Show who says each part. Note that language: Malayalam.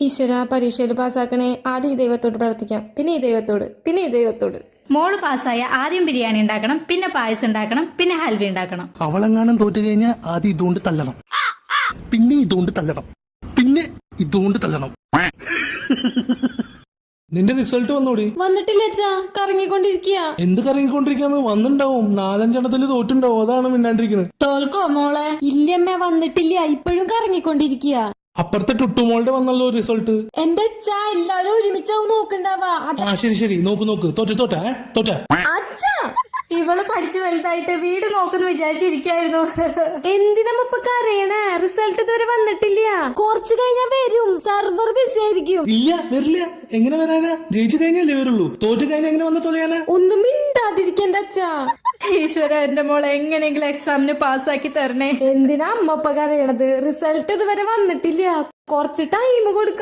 Speaker 1: ഈശ്വര പരീക്ഷയിൽ പാസ്സാക്കണേ. ആദ്യം ഈ ദൈവത്തോട് പ്രാർത്ഥിക്കാം, പിന്നെ ഈ ദൈവത്തോട്, പിന്നെ ഈ ദൈവത്തോട്.
Speaker 2: മോള് പാസ്സായ ആദ്യം ബിരിയാണി ഉണ്ടാക്കണം, പിന്നെ പായസം ഉണ്ടാക്കണം, പിന്നെ ഹൽവ ഉണ്ടാക്കണം.
Speaker 3: അവളെങ്ങാനും തോറ്റു കഴിഞ്ഞാൽ ആദ്യം ഇതുകൊണ്ട് തല്ലണം, പിന്നെ ഇതുകൊണ്ട് തല്ലണം, പിന്നെ ഇതുകൊണ്ട് തല്ലണം.
Speaker 4: നിന്റെ റിസൾട്ട് വന്നോടി?
Speaker 1: വന്നിട്ടില്ല അച്ഛാ, കറങ്ങിക്കൊണ്ടിരിക്കുക.
Speaker 4: എന്ത് കറങ്ങിക്കൊണ്ടിരിക്കാന്ന്? വന്നിണ്ടാവും, 4-5 തോറ്റുണ്ടാവും, അതാണ് മിണ്ടാണ്ടിരിക്കുന്നത്.
Speaker 1: തോൽക്കോ മോളെ? ഇല്ലമ്മ വന്നിട്ടില്ല, ഇപ്പോഴും കറങ്ങിക്കൊണ്ടിരിക്കുക.
Speaker 4: അപ്പുറത്തെ ടുട്ടുമോളുടെ വന്നല്ലോ റിസൾട്ട്.
Speaker 1: എന്റെ അച്ഛാ എല്ലാരും ഒരുമിച്ചാവും നോക്കണ്ടാവാ.
Speaker 4: ശരി നോക്ക് തോറ്റ.
Speaker 1: അച്ഛാ ഇവള് പഠിച്ചു വലുതായിട്ട് വീട് നോക്കുന്നു വിചാരിച്ചിരിക്കായിരുന്നു. എന്തിനമ്മ ഇപ്പൊ കരയണേ? റിസൾട്ട് ഇതുവരെ വന്നിട്ടില്ല, കുറച്ചു കഴിഞ്ഞാ വരും. സർവർ ബിസി ആയിരിക്കും.
Speaker 4: ഇല്ല വരില്ല. എങ്ങനെ വരാനാ? ജയിച്ചു കഴിഞ്ഞാലേ വരുള്ളൂ. തോറ്റു കഴിഞ്ഞാൽ എങ്ങനെ വന്ന് തൊലയാനാ?
Speaker 1: ഒന്നും മിണ്ടാതിരിക്കണ്ട അച്ഛാ.
Speaker 2: ഈശ്വര, എന്റെ മോളെ എങ്ങനെയെങ്കിലും എക്സാമിന് പാസ്സാക്കി തരണേ.
Speaker 1: എന്തിനാ അമ്മ ഇപ്പൊ കരയണത്? റിസൾട്ട് ഇതുവരെ വന്നിട്ടില്ല, കുറച്ച് ടൈം കൊടുക്ക.